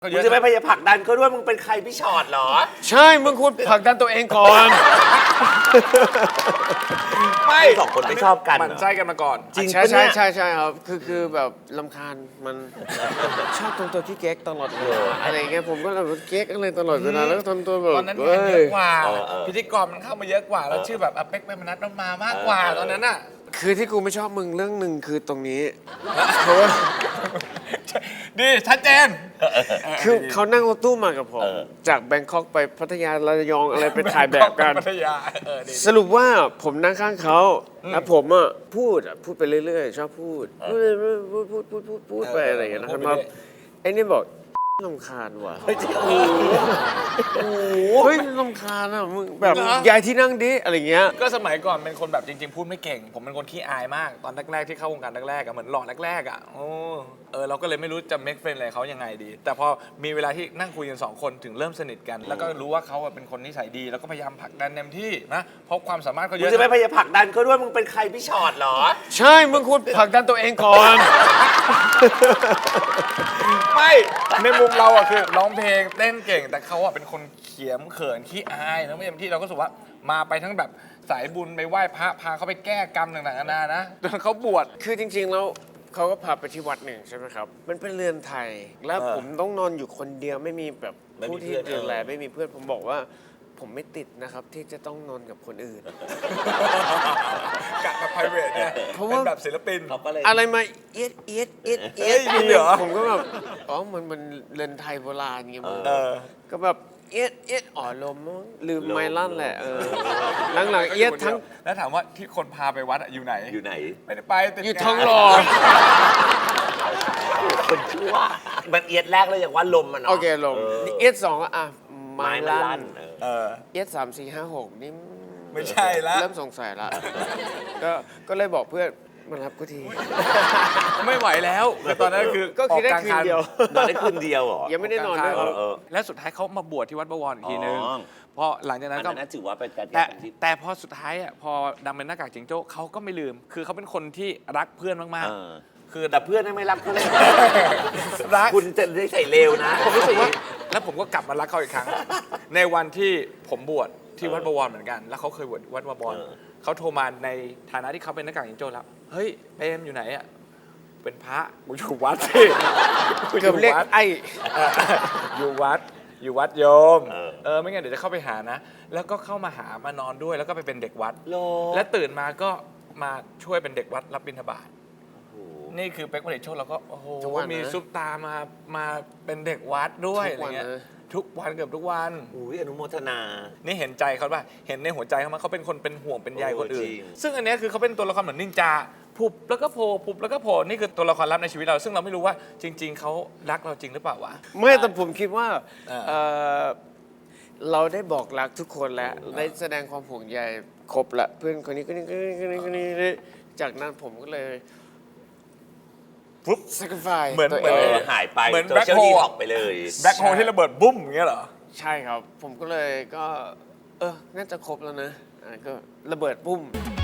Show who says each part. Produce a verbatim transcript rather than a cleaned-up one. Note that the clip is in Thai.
Speaker 1: มึงจะไม่พยายามผลักดันเขาด้วยมึงเป็นใครพี่ชอตเหรอ
Speaker 2: ใช่มึงควรผลักดันตัวเองก่อน
Speaker 1: ไม่สองคนไม่ชอบกัน
Speaker 3: มันใช่กันมาก่อน
Speaker 2: จริงใช่ใช่ใช่ใช่ครับคือคือแบบลำคาญมันชอบทำตัวที่เก๊กตลอดเลยอะไรเงี้ยผมก็แบบเก๊กอะไรตลอดเวลาแล้วก็ทำตัวแบบ
Speaker 3: ตอนนั้นงานเยอะกว่าพิธีกรมันเข้ามาเยอะกว่าแล้วชื่อแบบอเป๊กเป็นมนัสมันมามากกว่าตอนนั้นอ่ะ
Speaker 2: คือที่กูไม่ชอบมึงเรื่องหนึ่งคือตรงนี้เพราะว่า
Speaker 3: ดีชัดเจน
Speaker 2: คือเขานั่งรถตู้มากับผมจากแบงคอกไปพัทยาระยองอะไรไปถ่ายแบบกันสรุปว่าผมนั่งข้างเขาแล้วผมอ่ะพูดพูดไปเรื่อยๆชอบพูดพูดพูดพูดพูดพูดพูดไปอะไรอย่างเงี้ยนะครับไอ้นี่บอกลำคาญว่ะโอ้โหเฮ้ยลำคาญอ่ะมึงแบบย้ายที่นั่งดิอะไรเงี้ย
Speaker 3: ก็สมัยก่อนเป็นคนแบบจริงๆพูดไม่เก่งผมเป็นคนขี้อายมากตอนแรกๆที่เข้าวงการแรกๆอ่ะเหมือนหล่อแรกๆอ่ะโอ้เออเราก็เลยไม่รู้จะ make friend อะไรเขายังไงดีแต่พอมีเวลาที่นั่งคุยกันสองคนถึงเริ่มสนิทกันแล้วก็รู้ว่าเขาเป็นคนนิสัยดีแล้วก็พยายามผลักดันเต็มที่นะเพราะความสามารถเขาเยอะ
Speaker 1: มึงจะไม่พยายามผลักดันเขาด้วยมึงเป็นใครพี่ชอตเหรอ
Speaker 2: ใช่มึงควรผลักดันตัวเองก่อน
Speaker 3: ไม่ในมุมเราอะคือร้องเพลงเต้นเก่งแต่เขาอะเป็นคนเขียมเขินขี้อายแล้วไม่เต็มที่เราก็รู้สึกว่ามาไปทั้งแบบสายบุญไปไหว้พระพาเขาไปแก้กรรมต่างๆนานานะจนเขาบวช
Speaker 2: คือจริงๆแล้วเขาก็พาไปที่วัดหนึ่งใช่ไหมครับมันเป็นเรือนไทยแล้วผมต้องนอนอยู่คนเดียวไม่มีแบบผู้ที่ดูแลไม่มีเพื่อนผมบอกว่าผมไม่ติดนะครับที่จะต้องนอนกับคนอื่น
Speaker 3: กะแบบ private เนี่ยเพราะว่าแบบศิลปิน
Speaker 2: อะไรมาเอียดเอียดเอียดเอียดผมก็แบบอ๋อมันมันเรือนไทยโบราณเงี้ยก็แบบเอียดเอียดอ๋อลมลืมไมลั่นแหละเออหลังๆเอียดทั้ง
Speaker 3: แล้วถามว่าที่คนพาไปวัดอยู่ไหน
Speaker 1: อยู่ไหน
Speaker 3: ไม่ได้ไป
Speaker 2: อยู่ทองหล่อ
Speaker 1: คนชั่วมันเอียดแรกเลยอย่างว่าลมมัน
Speaker 2: โอเคลมเอียดสองอ่ะไมลั่น
Speaker 3: เออ
Speaker 2: เอียดสามสี่ห้าหกนี่
Speaker 3: ไม่ใช่ละ
Speaker 2: เริ่มสงสัยละก็ก็เลยบอกเพื่อนมารับกูที
Speaker 3: ไม่ไหวแล้วตอนนั้นคือ
Speaker 2: ก็คิดได้คืนเดียวน
Speaker 1: อนได้คืนเดียวเหรอ
Speaker 2: ยังไม่ได้นอนด้วย
Speaker 3: แล้วสุดท้ายเขามาบวชที่วัดบวรอีกทีนึงพอหลังจากนั้นก็
Speaker 1: ถือว่าเป็นการ
Speaker 3: แต่แต่พอสุดท้ายอ่ะพอดังเป็นหน้ากากจิงโจ้เขาก็ไม่ลืมคือเขาเป็นคนที่รักเพื่อนมากๆ
Speaker 1: คือแต่เพื่อนไม่รักคุณ
Speaker 3: รัก
Speaker 1: คุณจะได้ใส่เลวนะ
Speaker 3: ผมรู้สึกว่าแล้วผมก็กลับมารักเขาอีกครั้งในวันที่ผมบวชที่วัดบวรเหมือนกันแล้วเขาเคยบวชวัดบวรเขาโทรมาในฐานะที่เขาเป็นหน้ากากจิงโจ้แล้วเฮ้ยเปรมอยู่ไหนอ่ะเป็นพระกูอยู่วัดสิ
Speaker 2: กูอยู่วัดไอ
Speaker 3: อยู่วัดอยู่วัดโยมเออไม่งั้นเดี๋ยวจะเข้าไปหานะแล้วก็เข้ามาหามานอนด้วยแล้วก็ไปเป็นเด็กวัดและตื่นมาก็มาช่วยเป็นเด็กวัดรับบิณฑบาตนี่คือเป๊กผลิตโชคเราก็โอ้โหมีซุปตามามาเป็นเด็กวัดด้วยอะไรเงี้ยทุกวันเกือบทุกวัน
Speaker 1: อุ้ยอนุโมทนา
Speaker 3: นี่เห็นใจเขาป่ะเห็นในหัวใจเขาไหมเขาเป็นคนเป็นห่วงเป็นใยคนอื่นซึ่งอันนี้คือเขาเป็นตัวละครเหมือนนินจาผุบแล้วก็โผล่ผุบแล้วก็โผล่นี่คือตัวละครลับในชีวิตเราซึ่งเราไม่รู้ว่าจริงๆเขารักเราจริงหรือเปล่าวะ
Speaker 2: ไม่แต่ผมคิดว่าเราได้บอกรักทุกคนแล้วได้แสดงความห่วงใยครบละเพื่อนคนนี้คนนี้คนนี้คนนี้คนนี้จากนั้นผมก็เลยปุ๊บสักไฟ
Speaker 3: เหมือน
Speaker 1: เหมือนหายไป
Speaker 3: เหมือน
Speaker 1: แบล็คโฮลออกไปเลย
Speaker 3: แบล็คโฮลที่ระเบิดบุ้มอย่างเงี้ยเหรอ
Speaker 2: ใช่ครับผมก็เลยก็เออน่าจะครบแล้วนะก็ระเบิดปุ้ม